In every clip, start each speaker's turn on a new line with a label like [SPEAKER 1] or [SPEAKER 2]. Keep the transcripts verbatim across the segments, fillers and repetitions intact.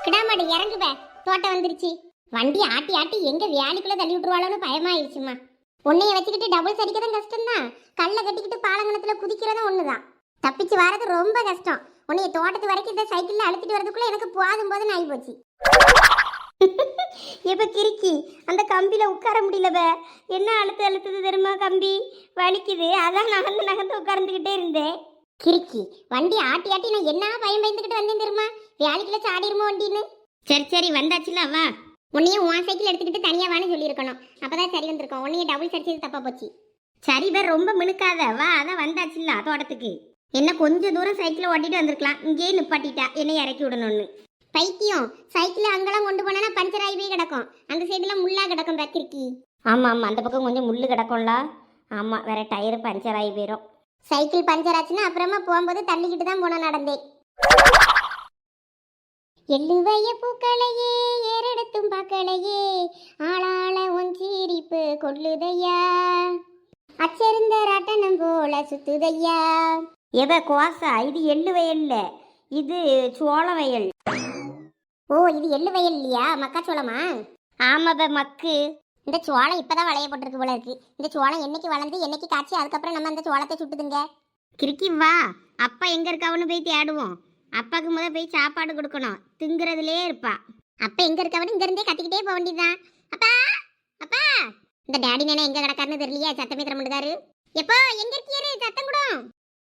[SPEAKER 1] கிடாமாடு இறங்குவ, தோட்டம் வந்துருச்சு. வண்டி ஆட்டி ஆட்டி எங்க வேலைக்குள்ள தள்ளி விட்டுருவாளோன்னு பயமாயிருச்சுமா. உன்னைய வச்சுக்கிட்டு டபுள் அடிக்கதான் கஷ்டம்தான், கல்லை கட்டிக்கிட்டு பாலங்கணத்துல குதிக்கிறதும் ஒண்ணுதான். தப்பிச்சு வரது ரொம்ப கஷ்டம். உன்னைய தோட்டத்து வரைக்கும் இந்த சைக்கிள்ல அழுத்திட்டு வரதுக்குள்ள எனக்கு போதும் போதுன்னு ஆகி போச்சு. எப்ப கிறுக்கி அந்த கம்பியில உட்கார முடியலவ, என்ன அழுத்து அழுத்துது தெரியுமா, கம்பி வலிக்குது, அதான் நகர்ந்து நகர்ந்து உட்கார்ந்துகிட்டே இருந்தேன். கிறுக்கி வண்டி ஆட்டி ஆட்டி நான் என்ன பயம் பயந்துகிட்டு வந்தேன் தெரியுமா, வேலைக்குள்ள சாடிருமோ வண்டின்னு. சரி சரி வந்தாச்சுல, வா. உன்னையே உன் சைக்கிள் எடுத்துக்கிட்டு தனியா வான்னு சொல்லியிருக்கணும், அப்பதான் சரி வந்திருக்கோம். உன்னைய டபுள் அடிச்சது தப்பா போச்சு. சரி வேற ரொம்ப மினுக்காத, வா. அதான் வந்தாச்சுல்ல தோட்டத்துக்கு. என்ன கொஞ்சம் தூரம் சைக்கிளை ஓட்டிட்டு வந்திருக்கலாம், இங்கேயே நிப்பாட்டிட்டா என்னை இறக்கி விடணும்னு. பைத்தியம், சைக்கிள் அங்கெல்லாம் கொண்டு போனா பஞ்சர் ஆகி போய் கிடக்கும், அந்த சைடுல முள்ளா கிடக்கும் பத்திரிக்கி. ஆமா ஆமா, அந்த பக்கம் கொஞ்சம் முள்ளு கிடக்கும்ல. ஆமா, வேற டயர் பஞ்சர் ஆகி போயிடும். சைக்கிள் பஞ்சர் ஆச்சுன்னா அப்புறமா போகும்போது தள்ளிக்கிட்டு தான் போன நடந்தேன். எள்ளுவைய பூக்களையே ஏறெடுத்தும் பார்க்கலையே, ஆளாள ஒஞ்சீரிப்பு கொள்ளுதையா, அச்சருந்த ராட்டனம் போல சுத்துதையா. எவ கோசா, இது எள்ளு வயல்ல, இது சோள வயல். ஓ, இது எள்ளு வயல் இல்லையா, மக்காச்சோளமா? ஆமாப்ப மக்கு. இந்த சோளம் இப்பதான் வளைய போட்டிருக்கு போல இருக்கு. இந்த சோளம் என்னைக்கு வளர்ந்து என்னைக்கு காய்ச்சி அதுக்கப்புறம் நம்ம அந்த சோளத்தை சுட்டுதுங்க. கிறுக்கி வா, அப்பா எங்க இருக்காவன்னு போய் தேடுவோம். அப்பாவுக்கு முத போய் சாப்பாடு கொடுக்கணும், திங்குறதுலே இருப்பா. அப்பா எங்க இருக்கவனு இங்க இருந்தே கத்திக்கிட்டே போக வேண்டியதுதான். அப்பா அப்பா, இந்த டேடி நேனா எங்க கிடக்காருன்னு தெரியலையா, சத்தமே தர மாட்டாரு. எப்போ எங்க இருக்கியாரு, சத்தம் கூட.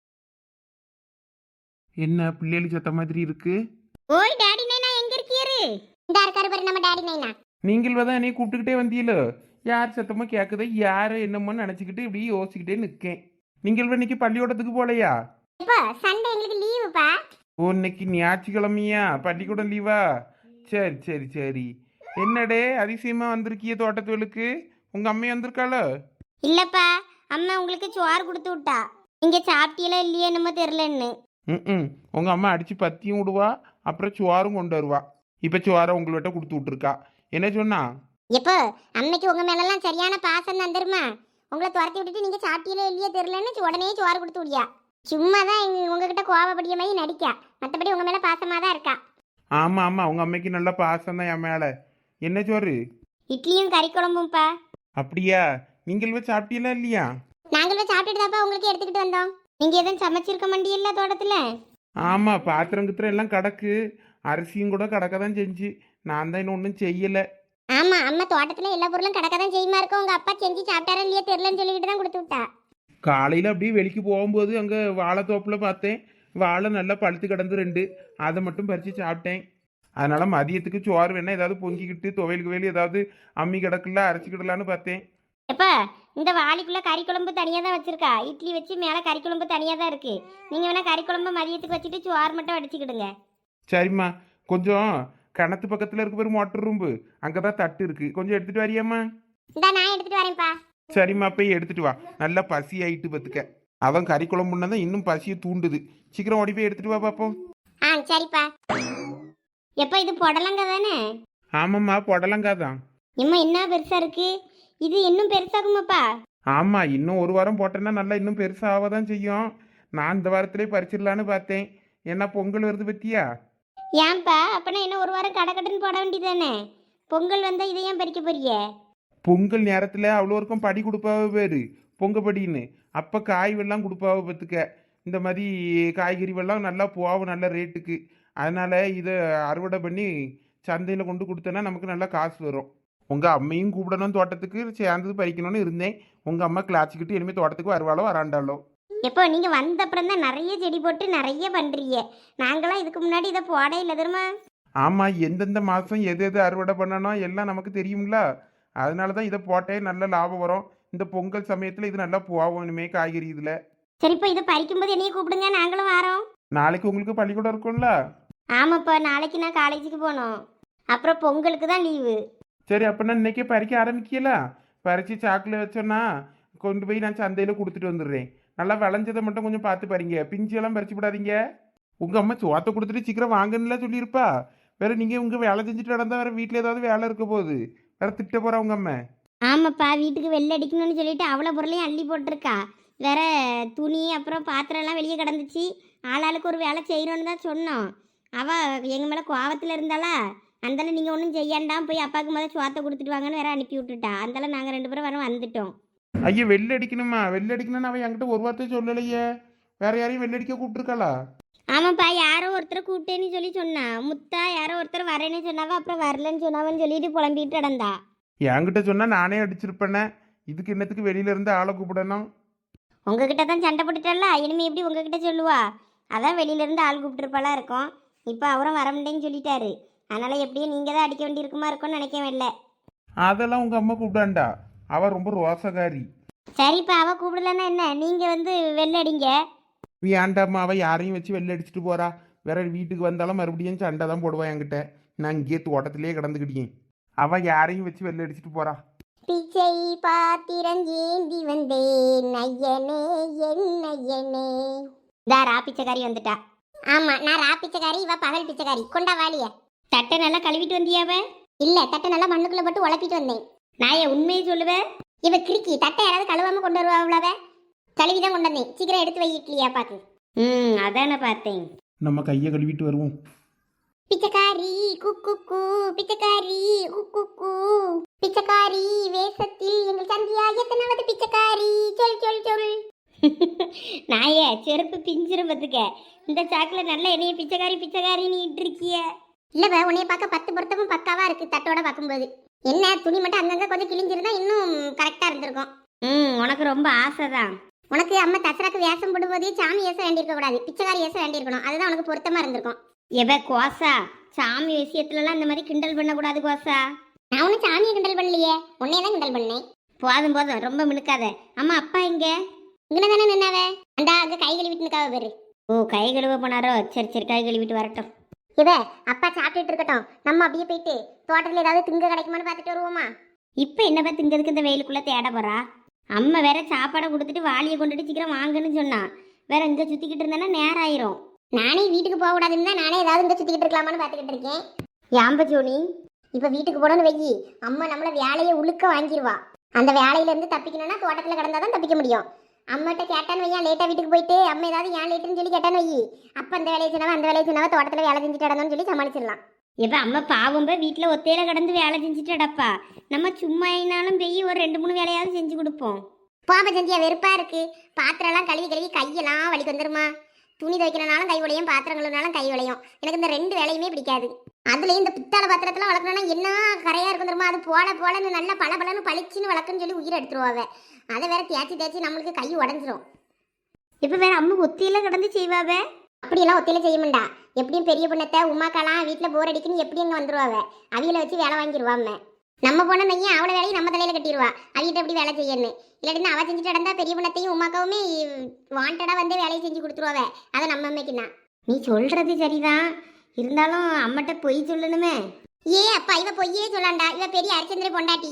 [SPEAKER 2] என்ன பிள்ளைகள் சத்த மாதிரி இருக்கு?
[SPEAKER 1] ஓய் டேடி நைனா எங்க இருக்கியாரு? இந்த இருக்காரு பாரு நம்ம டேடி நைனா.
[SPEAKER 2] நீங்கள் தான் என்னை கூப்பிட்டுக்கிட்டே வந்தீங்களோ, யார் சத்தமா கேட்குதோ யாரை என்னமோ நினச்சிக்கிட்டு இப்படி யோசிச்சுக்கிட்டே நிற்கேன். நீங்கள் இன்னைக்கு பள்ளிக்கூடத்துக்கு போகலையா?
[SPEAKER 1] இப்போ சண்டே எங்களுக்கு லீவுப்பா.
[SPEAKER 2] ஓ, இன்னைக்கு ஞாயிற்றுக்கிழமையா, பள்ளிக்கூடம் லீவா? சரி சரி சரி. என்னடே அதிசயமா வந்திருக்கிய தோட்டத்துவலுக்கு, உங்க அம்மையை வந்திருக்காளோ?
[SPEAKER 1] இல்லப்பா, அம்மா உங்களுக்கு சோறு கொடுத்து விட்டா, நீங்க சாப்பிட்டீங்களா இல்லையா என்னமோ தெரியலன்னு.
[SPEAKER 2] ம் உங்க அம்மா அடிச்சு பத்தியும் விடுவா, அப்புறம் சோறும் கொண்டு வருவா. இப்ப சோறை உங்கள்கிட்ட கொடுத்து விட்டுருக்கா. என்ன சொன்னா?
[SPEAKER 1] எப்போ அன்னைக்கு உங்க மேலெல்லாம் சரியான பாசம் தான் தெரியுமா, உங்களை துரத்தி விட்டுட்டு நீங்க சாப்பிட்டீங்களா இல்லையா தெரியலன்னு உடனே சோறு கொடுத்து விடியா. சும்மா தான் உங்ககிட்ட கோவப்படிய மாதிரி நடிக்கா, மற்றபடி உங்க மேல பாசமா தான் இருக்கா.
[SPEAKER 2] ஆமா ஆமா, உங்க அம்மைக்கு நல்ல பாசம் தான் என் மேல. என்ன சோறு?
[SPEAKER 1] இட்லியும் கறி குழம்பும்ப்பா.
[SPEAKER 2] அப்படியா? நீங்கள் சாப்பிட்டீங்களா இல்லையா?
[SPEAKER 1] நாங்களும் சாப்பிட்டுட்டு தான்ப்பா உங்களுக்கு எடுத்துக்கிட்டு வந்தோம். நீங்க எதுவும் சமைச்சிருக்க மாட்டீங்கல்ல தோட்டத்துல?
[SPEAKER 2] ஆமா, பாத்திரம் கித்திரம் எல்லாம் கிடக்கு, அரிசியும் கூட கிடக்க தான் செஞ்சு, நான் தான் இன்னும் ஒன்றும் செய்யல.
[SPEAKER 1] ஆமா, அம்மா தோட்டத்துல எல்லா பொருளும் கிடக்க தான் செய்யுமா இருக்கும், உங்க அப்பா செஞ்சு சாப்பிட்டாரா இல்லையா தெரியலன்னு சொல்லிக்கிட்டு தான் கொடுத்து விட்டா.
[SPEAKER 2] காலையில் அப்படியே வெளிக்கு போகும்போது அங்கே வாழைத்தோப்பில் பார்த்தேன், வாழை நல்லா பழுத்து கிடந்து ரெண்டு, அதை மட்டும் பறித்து சாப்பிட்டேன். அதனால் மதியத்துக்கு சோறு வேணா ஏதாவது பொங்கிக்கிட்டு துவையலுக்கு வேலி ஏதாவது அம்மி கிடக்குல அரைச்சிக்கிடலான்னு பார்த்தேன்.
[SPEAKER 1] எப்பா, இந்த வாளிக்குள்ள கறி குழம்பு தனியாக தான் வச்சிருக்கா, இட்லி வச்சு மேலே கறி குழம்பு தனியாக தான் இருக்கு. நீங்கள் வேணா கறி குழம்பு மதியத்துக்கு வச்சுட்டு சோறு மட்டும் அடிச்சுக்கிடுங்க.
[SPEAKER 2] சரிம்மா, கொஞ்சம் கிணத்து பக்கத்தில் இருக்க பேர் மோட்டர் ரூம்பு, அங்கே தான் தட்டு இருக்குது, கொஞ்சம் எடுத்துகிட்டு வரியாம்மா?
[SPEAKER 1] இந்த நான் எடுத்துகிட்டு வரேன்ப்பா.
[SPEAKER 2] சரிம்மா, போய் எடுத்துட்டு வா, நல்லா பசி ஆயிட்டு பத்துக்க. அவன் கறி குழம்புன்னா தான் இன்னும் பசியை தூண்டுது, சீக்கிரம் ஓடி போய் எடுத்துட்டு வா பாப்போம்.
[SPEAKER 1] ஆ சரிப்பா. எப்போ இது புடலங்க தானே?
[SPEAKER 2] ஆமாம்மா, புடலங்கா தான்.
[SPEAKER 1] இம்மா என்ன பெருசா இருக்கு, இது இன்னும் பெருசாகுமாப்பா?
[SPEAKER 2] ஆமாம், இன்னும் ஒரு வாரம் போட்டேன்னா நல்லா இன்னும் பெருசாக தான் செய்யும். நான் இந்த வாரத்திலே பறிச்சிடலான்னு பார்த்தேன். என்ன பொங்கல் வருது பத்தியா?
[SPEAKER 1] ஏன்பா, அப்பனா என்ன ஒரு வாரம் கடை கட்டுன்னு போட வேண்டியதானே? பொங்கல் வந்தால் இதை ஏன் பறிக்க போறிய?
[SPEAKER 2] பொங்கல் நேரத்தில் அவ்வளோ இருக்கும் படி கொடுப்பாவ பேர் பொங்கப்படின்னு, அப்போ காய் வெள்ளம் கொடுப்பாவ பத்துக்க. இந்த மாதிரி காய்கறி வெள்ளம் நல்லா போகும் நல்ல ரேட்டுக்கு. அதனால் இதை அறுவடை பண்ணி சந்தையில் கொண்டு கொடுத்தோன்னா நமக்கு நல்லா காசு வரும். உங்கள் அம்மையும் கூப்பிடணும் தோட்டத்துக்கு, சேர்ந்தது பறிக்கணும்னு இருந்தேன். உங்கள் அம்மா கிளாச்சிக்கிட்டு இனிமேல் தோட்டத்துக்கு வருவாளோ வராண்டாலோ.
[SPEAKER 1] எப்போ நீங்கள் வந்த அப்புறம் தான் நிறைய செடி போட்டு நிறைய பண்ணுறீங்க, நாங்களாம் இதுக்கு முன்னாடி இதை போட இல்லை தெரியுமா?
[SPEAKER 2] ஆமாம், எந்தெந்த மாதம் எது எது அறுவடை பண்ணணும் எல்லாம் நமக்கு தெரியுங்களா. அதனால தான் இதை போட்டே நல்ல லாபம் வரும். இந்த பொங்கல் சமயத்தில் இது நல்லா போகும் இனிமே காய்கறி இதில்.
[SPEAKER 1] சரிப்பா, இதை பறிக்கும்போது என்னைய கூப்பிடுங்க, நாங்களும் வரோம்.
[SPEAKER 2] நாளைக்கு உங்களுக்கு பள்ளிக்கூடம் இருக்கும்ல?
[SPEAKER 1] ஆமாப்பா, நாளைக்கு நான் காலேஜுக்கு போகணும், அப்புறம் பொங்கலுக்கு தான் லீவு.
[SPEAKER 2] சரி, அப்படின்னா இன்னைக்கே பறிக்க ஆரம்பிக்கல. பறித்து சாக்கில் வச்சோன்னா கொண்டு போய் நான் சந்தையில் கொடுத்துட்டு வந்துடுறேன். நல்லா விளைஞ்சதை மட்டும் கொஞ்சம் பார்த்து பாருங்க, பிஞ்செல்லாம் பறிச்சு விடாதீங்க. உங்கள் அம்மா சோத்தை கொடுத்துட்டு சீக்கிரம் வாங்கன்னுலாம் சொல்லியிருப்பா. வேற நீங்கள் உங்கள் வேலை செஞ்சுட்டு நடந்தால் வேற வீட்டில் ஏதாவது வேலை இருக்க போகுது, வேற திட்ட போகிறா உங்கள் அம்மா.
[SPEAKER 1] ஆமாப்பா, வீட்டுக்கு வெள்ளை அடிக்கணும்னு சொல்லிட்டு அவ்வளோ பொருளையும் அள்ளி போட்டிருக்கா. வேற துணி அப்புறம் பாத்திரம்லாம் வெளியே கிடந்துச்சு, ஆளாளுக்கு ஒரு வேலை செய்யணும்னு தான் சொன்னோம். அவள் எங்கள் மேலே கோவத்தில் இருந்தாளா, அந்தால நீங்கள் ஒன்றும் செய்யாண்டாம் போய் அப்பாவுக்கு முதல்ல சோத்தை கொடுத்துட்டு வாங்கன்னு வேற அனுப்பி விட்டுட்டா. அந்தால நாங்கள் ரெண்டு பேரும் வர வந்துட்டோம்.
[SPEAKER 2] ஐயா வெள்ளை அடிக்கணுமா? வெள்ளை அடிக்கணும்னு அவன் என்கிட்ட ஒரு வார்த்தை சொல்லலையே. வேற யாரையும் வெள்ளை அடிக்க கூப்பிட்டுருக்காளா?
[SPEAKER 1] ஆமாப்பா, யாரோ ஒருத்தர் கூப்பிட்டேன்னு சொல்லி சொன்னா. முத்தா யாரோ ஒருத்தர் வரேன்னு சொன்னாவா, அப்புறம் வரலன்னு சொன்னாவன்னு சொல்லிட்டு புலம்பிட்டு கிடந்தா.
[SPEAKER 2] என்கிட்ட சொன்னா நானே அடிச்சிருப்பேனே. இதுக்கு என்னத்துக்கு வெளியில இருந்து ஆளை கூப்பிடணும்?
[SPEAKER 1] உங்ககிட்ட தான் சண்டை போட்டுட்டல்ல, இனிமே எப்படி உங்ககிட்ட சொல்லுவா? அதான் வெளியிலேருந்து ஆள் கூப்பிட்டுருப்பாளா இருக்கும். இப்போ அவரும் வர முடியேன்னு சொல்லிட்டாரு. அதனால் எப்படியும் நீங்கள் தான் அடிக்க வேண்டி இருக்குமா இருக்கும்னு நினைக்கவே இல்லை.
[SPEAKER 2] அதெல்லாம் உங்க அம்மா கூப்பிடாண்டா. அவ ரொம்ப ரோசகாரி.
[SPEAKER 1] சரிப்பா, அவள் கூப்பிடலன்னா என்ன, நீங்கள் வந்து வெளில அடிங்க.
[SPEAKER 2] வேண்டாம்மா, அவ யாரையும் வச்சு வெளில அடிச்சுட்டு போறா. வேற வீட்டுக்கு வந்தாலும் மறுபடியும் சண்டை தான் போடுவா என்கிட்ட. நான் இங்கேயே தோட்டத்திலேயே கிடந்துக்கிட்டேன். அவ யாரையும் வச்சு வெளில அடிச்சுட்டு போறா.
[SPEAKER 1] பிச்சை பாத்திரம் ஏந்தி வந்தேன் ஐயனே என் ஐயனே. இதா ரா பிச்சைக்காரி வந்துட்டா. ஆமா, நான் ரா பிச்சைக்காரி, இவ பகல் பிச்சைக்காரி. கொண்டா வாளிய. தட்டை நல்லா கழுவிட்டு வந்தியாவ? இல்ல, தட்டை நல்லா மண்ணுக்குள்ள போட்டு உழப்பிட்டு வந்தேன். நான் என் உண்மையை சொல்லுவேன். இவ கிறுக்கி தட்டை யாராவது கழுவாம கொண்டு வருவா? அவ்வளவ கழுவிதான் கொண்டு வந்தேன். சீக்கிரம் எடுத்து வை இட்லியா பாக்கு. ம் அதான பார்த்தேன்.
[SPEAKER 2] நம்ம கையை கழுவிட்டு வருவோம்.
[SPEAKER 1] பிச்சைக்காரி குக்கு கூ, பிச்சைக்காரி குக்கு கூ, பிச்சைக்காரி வேஷத்தில் எங்கள் சந்தியா எத்தனாவது பிச்சைக்காரி சொல் சொல் சொல். நாயே செருப்பு பிஞ்சிரும் பத்துக்க. இந்த சாக்குல நல்ல என்னைய பிச்சைக்காரி பிச்சைக்காரி நீ இருக்கிய. இல்லவ உன்னைய பார்க்க பத்து பொருத்தமும் பக்காவா இருக்கு. தட்டோட பார்க்கும்போது என்ன துணி மட்டும் அங்கங்க கொஞ்சம் கிழிஞ்சிருந்தா இன்னும் கரெக்டா இருந்திருக்கும். ம் உனக்கு ரொம்ப ஆசைதான். உனக்கு அம்மா தசராக்கு வேஷம் போடும்போதே சாமி வேஷம் வேண்டியிருக்க கூடாது, பிச்சைக்காரி வேஷம் வேண்டியிருக்கணும். அதுதான் உனக்கு பொருத்தமா இருந்திருக்கும். எவ கோசா, சாமி விஷயத்துலலாம் இந்த மாதிரி கிண்டல் பண்ணக்கூடாது கோசா. நான் ஒன்றும் சாமியை கிண்டல் பண்ணலையே, உன்னையே தான் கிண்டல் பண்ணேன். போதும் போதும், ரொம்ப மினுக்காத. அம்மா அப்பா இங்க இங்கே தானே நின்னாவே? அந்த அங்கே கை கழுவிட்டு நிற்காவ பேரு. ஓ கை கழுவ போனாரோ? சரி சரி, கை கழுவிட்டு வரட்டும். இவ அப்பா சாப்பிட்டுட்டு இருக்கட்டும், நம்ம அப்படியே போயிட்டு தோட்டத்தில் ஏதாவது திங்க கிடைக்குமான்னு பார்த்துட்டு வருவோமா? இப்போ என்னப்பா திங்கிறதுக்கு இந்த வெயிலுக்குள்ளே தேட போறா? அம்மா வேற சாப்பாடை கொடுத்துட்டு வாளியை கொண்டுட்டு சீக்கிரம் வாங்கன்னு சொன்னா. வேற இங்கே சுற்றிக்கிட்டு இருந்தேன்னா நேரம் ஆயிரும். நானே வீட்டுக்கு போக கூடாதுன்னு தான் நானே ஏதாவது இங்கே சுற்றிக்கிட்டு இருக்கலாமான்னு பார்த்துக்கிட்டு இருக்கேன். யாம்ப ஜோனி, இப்போ வீட்டுக்கு போனோன்னு வெயி அம்மா நம்மளை வேலையை உழுக்க வாங்கிடுவா. அந்த வேலையிலேருந்து தப்பிக்கணும்னா தோட்டத்தில் கிடந்தா தான் தப்பிக்க முடியும். அம்மாட்ட கேட்டான்னு வையா, லேட்டாக வீட்டுக்கு போயிட்டு அம்மா ஏதாவது ஏன் லேட்டுன்னு சொல்லி கேட்டான்னு வை. அப்போ அந்த வேலையை சொன்னாவா அந்த வேலையை சொன்னாவா தோட்டத்தில் வேலை செஞ்சுட்டு இடணும்னு சொல்லி சமாளிச்சிடலாம். இப்போ அம்மா பாவம்ப வீட்டில் ஒத்தையில கடந்து வேலை செஞ்சுட்டு அடப்பா. நம்ம சும்மா ஆயினாலும் போய் ஒரு ரெண்டு மூணு வேலையாவது செஞ்சு கொடுப்போம். பாப்பா செஞ்சியா வெறுப்பா இருக்கு. பாத்திரம்லாம் கழுவி கழுவி கையெல்லாம் வலிக்கு வந்துருமா. துணி துவைக்கிறனாலும் கை உடையும், பாத்திரம் கழுவினாலும் கை உடையும். எனக்கு இந்த ரெண்டு வேலையுமே பிடிக்காது. அதுலேயும் இந்த பித்தாளை பாத்திரத்தில் வளர்க்கணும்னா என்ன கரையாக இருக்கும் தெரியுமா? அது போல போலன்னு நல்லா பல பலன்னு பளிச்சுன்னு வளர்க்குன்னு சொல்லி உயிரை எடுத்துருவாங்க. அதை வேற தேய்ச்சி தேய்ச்சி நம்மளுக்கு கை உடஞ்சிரும். இப்போ வேற அம்மா ஒத்தியில கிடந்து செய்வாவே. அப்படியெல்லாம் ஒத்தியில செய்ய மாட்டா. எப்படியும் பெரிய பொண்ணத்தை உமாக்காலாம் வீட்டில் போர் அடிக்குன்னு எப்படி அங்கே வந்துருவாங்க. அவியில வச்சு வேலை வாங்கிடுவாம. நம்ம போன மையம் அவளை வேலையும் நம்ம தலையில கட்டிடுவா. அவிகிட்ட எப்படி வேலை செய்யணும். இல்லாட்டினா அவள் செஞ்சுட்டு நடந்தா பெரிய பொண்ணத்தையும் உமாக்காவுமே வாண்டடா வந்து வேலையை செஞ்சு கொடுத்துருவாவ. அதை நம்ம அம்மைக்குன்னா நீ சொல்றது சரிதான். இருந்தாலும் அம்மட்ட பொய் சொல்லணுமே. ஏ அப்பா, இவ பொய்யே சொல்லாண்டா. இவ பெரிய அரிச்சந்திர பொண்டாட்டி.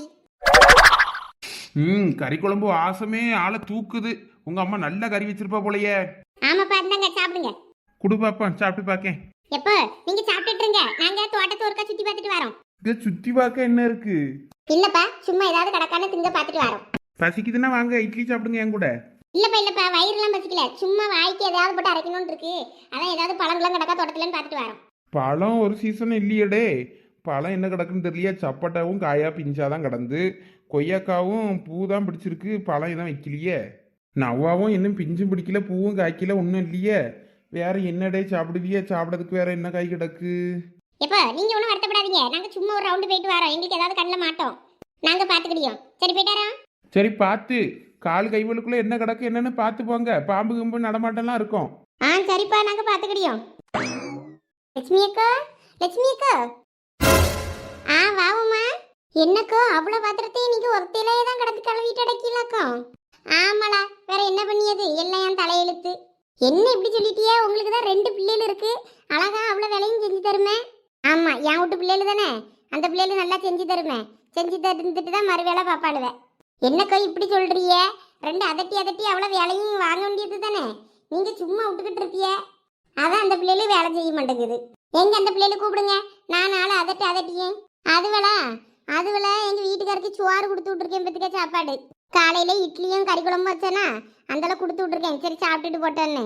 [SPEAKER 2] ம் கறி குழம்பு வாசமே ஆளை தூக்குது. உங்க அம்மா நல்ல கறி வச்சிருப்பா போலயே.
[SPEAKER 1] ஆமாப்பா, இருந்தாங்க சாப்பிடுங்க.
[SPEAKER 2] குடு பாப்பா, சாப்பிட்டு பார்க்கேன்.
[SPEAKER 1] எப்போ நீங்க சாப்பிட்டுட்டு இருங்க, நாங்க தோட்டத்தை ஒருக்கா சுத்தி பார்த்துட்டு வரோம்.
[SPEAKER 2] இதை சுத்தி பார்க்க என்ன இருக்கு?
[SPEAKER 1] இல்லப்பா, சும்மா ஏதாவது கடக்கான திங்க பார்த்துட்டு வரோம்.
[SPEAKER 2] பசிக்குதுன்னா வாங்க இட்லி சாப்பிடுங்க என் கூட.
[SPEAKER 1] இல்லப்பா இல்லப்பா, வயிறுலாம் பசிக்கல. சும்மா வாய்க்கு ஏதாவது போட்டு அரைக்கணும்னு இருக்கு. அதான் ஏதாவது பழங்கள்லாம் கிடக்கா தோட்டத்துலன்னு பார்த்துட்டு வரோம்.
[SPEAKER 2] பழம் ஒரு சீசன் இல்லையடே. பழம் என்ன கிடக்குன்னு தெரியல. சப்பட்டாவும் காயா பிஞ்சாதான் கிடந்து, கொய்யாக்காவும் பூ தான் பிடிச்சிருக்கு, பழம் எதுவும் வைக்கலையே. நவ்வாவும் இன்னும் பிஞ்சும் பிடிக்கல, பூவும் காய்க்கல, ஒன்றும் இல்லையே. வேற என்னடே சாப்பிடுவியே? சாப்பிடறதுக்கு வேற என்ன காய் கிடக்கு?
[SPEAKER 1] எப்போ நீங்க ஒன்றும் வருத்தப்படாதீங்க, நாங்க சும்மா ஒரு ரவுண்டு போயிட்டு வரோம். எங்களுக்கு ஏதாவது கண்ணில் மாட்டோம், நாங்க பார்த்துக்கிடியோம். சரி போயிட்டாரா?
[SPEAKER 2] சரி பார்த்து கால் கைவலுக்குள்ள என்ன கிடக்கு என்னன்னு பார்த்து போங்க. பாம்பு கம்பு நடமாட்டம்லாம் இருக்கும்.
[SPEAKER 1] ஆ சரிப்பா, நாங்க பார்த்துக்கிடியோம். லட்சுமி அக்கா, லட்சுமி அக்கா. ஆ வாவுமா. என்னக்கோ அவ்வளோ பாத்திரத்தையும் நீங்க ஒருத்தையிலே தான் கிடந்து கழுவிட்டு அடக்கீங்களாக்கோ? ஆமாடா, வேற என்ன பண்ணியது, எல்லாம் என் தலையெழுத்து. என்ன இப்படி சொல்லிட்டியே? உங்களுக்கு தான் ரெண்டு பிள்ளைகள் இருக்கு, அழகா அவ்வளோ வேலையும் செஞ்சு தருமே. ஆமா, என் வீட்டு பிள்ளைகள் தானே, அந்த பிள்ளைகள் நல்லா செஞ்சு தருமே. செஞ்சு தந்துட்டு தான் மறு வேலை பாப்பாளுவேன். என்னக்கோ இப்படி சொல்றியே? ரெண்டு அதட்டி அதட்டி அவ்வளோ வேலையும் வாங்க வேண்டியது தானே. நீங்க சும்மா விட்டுக்கிட்டு இருப்பிய, அதான் அந்த பிள்ளைகளும் வேலை செய்ய மாட்டேங்குது. எங்க அந்த பிள்ளைகளை கூப்பிடுங்க, நான் நாளை அதட்டி அதட்டியேன். அதுவளா அதுவள எங்க வீட்டுக்காருக்கு சோறு கொடுத்து விட்டுருக்கேன். பத்துக்க சாப்பாடு காலையில இட்லியும் கறி குழம்பு வச்சேனா அந்தளவு கொடுத்து விட்டுருக்கேன். சரி சாப்பிட்டுட்டு போட்டேன்னு.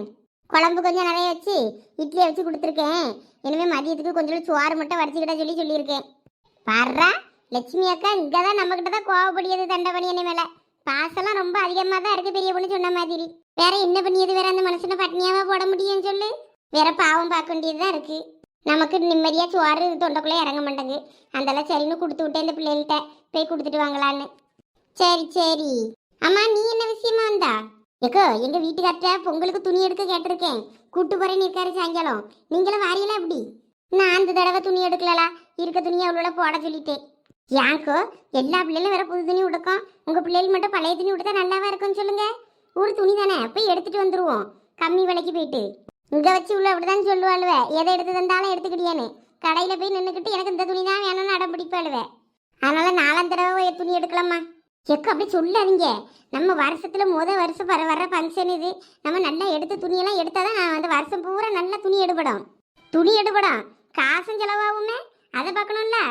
[SPEAKER 1] குழம்பு கொஞ்சம் நிறைய வச்சு இட்லியை வச்சு கொடுத்துருக்கேன். இனிமேல் மதியத்துக்கு கொஞ்சம் சோறு மட்டும் வடிச்சுக்கிட்ட சொல்லி சொல்லியிருக்கேன். வர்றா லட்சுமி அக்கா இங்கே தான் நம்மக்கிட்ட தான் கோவப்படியது தண்டபணியனை மேலே. பாசெல்லாம் ரொம்ப அதிகமாக தான் இருக்குது பெரிய பொண்ணு சொன்ன மாதிரி. வேற என்ன பண்ணியது, வேற அந்த மனுஷனை பட்னியாவா போட முடியும்னு சொல்லு. வேற பாவம் பார்க்க வேண்டியது தான் இருக்குது. நமக்கு நிம்மதியாக சோறு தொண்டைக்குள்ளே இறங்க மாட்டேங்கு. அதெல்லாம் சரின்னு கொடுத்து விட்டேன் இந்த பிள்ளைகள்கிட்ட, போய் கொடுத்துட்டு வாங்கலான்னு. சரி சரி. அம்மா நீ என்ன விஷயமா வந்தா? ஏக்கோ எங்க வீட்டுக்கார்ட்ட பொங்கலுக்கு துணி எடுக்க கேட்டிருக்கேன். கூட்டு போறேன்னு இருக்காரு சாயங்காலம். நீங்களும் வாரியலாம் எப்படி? நான் அந்த தடவை துணி எடுக்கலலா, இருக்க துணியை அவ்வளோ போட சொல்லிட்டேன். யாக்கோ எல்லா பிள்ளைகளும் வேற புது துணி உடுக்கும், உங்க பிள்ளைகள் மட்டும் பழைய துணி உடுத்தா நல்லாவா இருக்கும்னு சொல்லுங்க. ஒரு துணி தானே போய் எடுத்துட்டு வந்துருவோம் கம்மி விலைக்கு போயிட்டு. இங்க வச்சு உள்ள அப்படிதான் சொல்லுவாளுவ, எதை எடுத்து தந்தாலும் எடுத்துக்கிட்டியானே. கடையில போய் நின்றுக்கிட்டு எனக்கு இந்த துணி தான் வேணும்னு அடம் பிடிப்பாளுவ. அதனால நாலாம் தடவை துணி எடுக்கலாமா? எக்கு அப்படி சொல்லாதீங்க. நம்ம வருஷத்துல முத வருஷம் வர வர ஃபங்க்ஷன் இது. நம்ம நல்லா எடுத்து துணியெல்லாம் எடுத்தாதான் நான் அந்த வருஷம் பூரா நல்லா துணி எடுபடும். துணி எடுபடும் காசும் செலவாகுமே, அதை பார்க்கணும்ல.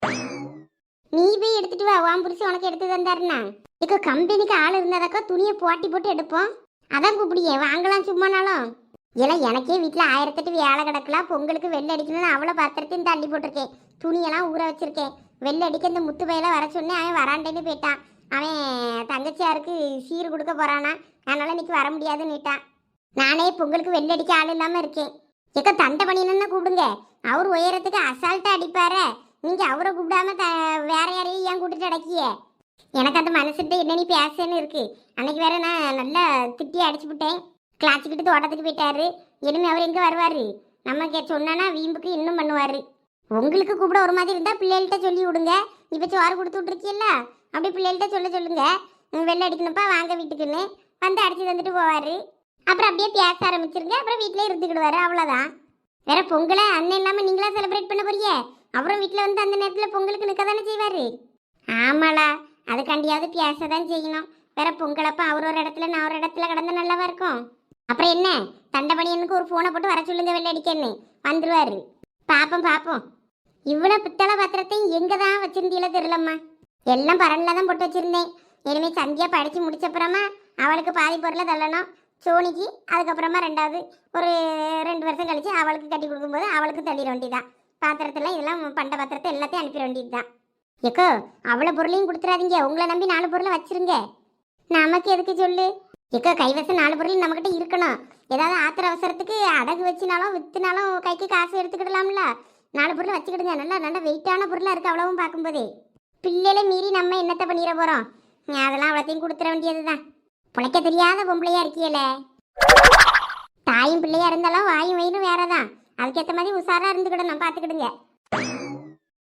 [SPEAKER 1] நீ போய் எடுத்துட்டு வா, வான் புரிச்சு உனக்கு எடுத்து தந்தாருன்னா. இக்க கம்பெனிக்கு ஆள் இருந்தாதாக்கா துணியை போட்டி போட்டு எடுப்போம். அதான் கூப்பிடியே வாங்கலாம் சும்மானாலும். இல்லை எனக்கே வீட்டில் ஆயிரத்தெட்டு வேலை கிடக்கலாம். பொங்கலுக்கு வெள்ளை அடிக்கணும்னு அவ்வளோ பாத்திரத்தையும் தள்ளி போட்டிருக்கேன். துணியெல்லாம் ஊற வச்சிருக்கேன். வெள்ளை அடிக்க இந்த முத்து பையில வர சொன்னேன். அவன் வராண்டேன்னு போயிட்டான். அவன் தங்கச்சியாருக்கு சீர் கொடுக்க போறானா, அதனால இன்னைக்கு வர முடியாதுன்னுட்டான். நானே பொங்கலுக்கு வெள்ளை அடிக்க ஆள் இல்லாமல் இருக்கேன். எக்க தண்டை பண்ணினு கூப்பிடுங்க. அவர் உயரத்துக்கு அசால்ட்டாக அடிப்பாரு. நீங்கள் அவரை கூப்பிடாம த வேற யாரையும் ஏன் கூட்டிட்டு அடக்கிய? எனக்கு அந்த மனசுட்டு என்ன நீ பேசன்னு இருக்கு. அன்னைக்கு வேற நான் நல்லா திட்டி அடிச்சு விட்டேன். கிளாச்சிக்கிட்டு தோட்டத்துக்கு போயிட்டாரு. இனிமே அவர் எங்கே வருவார்? நம்ம கே சொன்னா வீம்புக்கு இன்னும் பண்ணுவார். உங்களுக்கு கூப்பிட ஒரு மாதிரி இருந்தால் பிள்ளைகள்கிட்ட சொல்லி விடுங்க. இப்போ சோறு கொடுத்து விட்ருக்கீல்ல, அப்படி பிள்ளைகள்கிட்ட சொல்ல சொல்லுங்க. வெள்ளை அடிக்கணுப்பா வாங்க வீட்டுக்குன்னு வந்து அடிச்சு தந்துட்டு போவார். அப்புறம் அப்படியே பேச ஆரம்பிச்சிருங்க. அப்புறம் வீட்டிலே இருந்துக்கிடுவாரு. அவ்வளோதான். வேற பொங்கலை அண்ணன் இல்லாமல் நீங்களா செலிப்ரேட் பண்ண போறீங்க. அப்புறம் வீட்டில் வந்து அந்த நேரத்தில் பொங்கலுக்கு நிற்க தானே செய்வார். ஆமாளா, அதுக்காண்டியாவது பேச தான் செய்யணும். வேற பொங்கலப்பா அவர் ஒரு இடத்துல நான் ஒரு இடத்துல கிடந்து நல்லாவா இருக்கும். அப்புறம் என்ன, தண்டபணியனுக்கு ஒரு ஃபோனை போட்டு வர சொல்லுங்க வெள்ளை அடிக்கன்னு. வந்துருவாரு. பார்ப்போம் பார்ப்போம். இவ்வளோ பித்தளை பாத்திரத்தையும் எங்கே தான் வச்சிருந்தீங்களோ தெரியலம்மா. எல்லாம் பரனில் தான் போட்டு வச்சுருந்தேன். இனிமேல் சந்தியா படித்து முடிச்சப்புறமா அவளுக்கு பாதி பொருளை தள்ளணும். சோனிக்கு அதுக்கப்புறமா ரெண்டாவது ஒரு ரெண்டு வருஷம் கழிச்சு அவளுக்கு கட்டி கொடுக்கும்போது அவளுக்கு தள்ளிட வேண்டியதான். பாத்திரத்தில் இதெல்லாம் பண்ட பாத்திரத்தை எல்லாத்தையும் அனுப்பிட வேண்டியது தான். எக்கோ அவ்வளோ பொருளையும் கொடுத்துறாதீங்க. உங்களை நம்பி நாலு பொருளை வச்சிருங்க. நமக்கு எதுக்கு சொல்லு. எக்கோ கைவசம் நாலு பொருள் நம்மக்கிட்ட இருக்கணும். ஏதாவது ஆத்திர அவசரத்துக்கு அடகு வச்சுனாலும் விற்றுனாலும் கைக்கு காசு எடுத்துக்கிடலாம்ல. நாலு பொருள் வச்சுக்கிடுங்க. நல்லா நல்லா வெயிட்டான பொருளாக இருக்குது அவ்வளவும் பார்க்கும்போதே. பிள்ளைகளை மீறி நம்ம என்னத்தை பண்ணிட போகிறோம்? அதெல்லாம் அவ்வளோத்தையும் கொடுத்துட வேண்டியது தான். பிழைக்க தெரியாத பொம்பளையா இருக்கியலே. தாயும் பிள்ளையா இருந்தாலும் வாயும் வயிறும் வேறதான். அதுக்கேற்ற மாதிரி உஷாராக இருந்துக்கிடணும். பார்த்துக்கிடுங்க.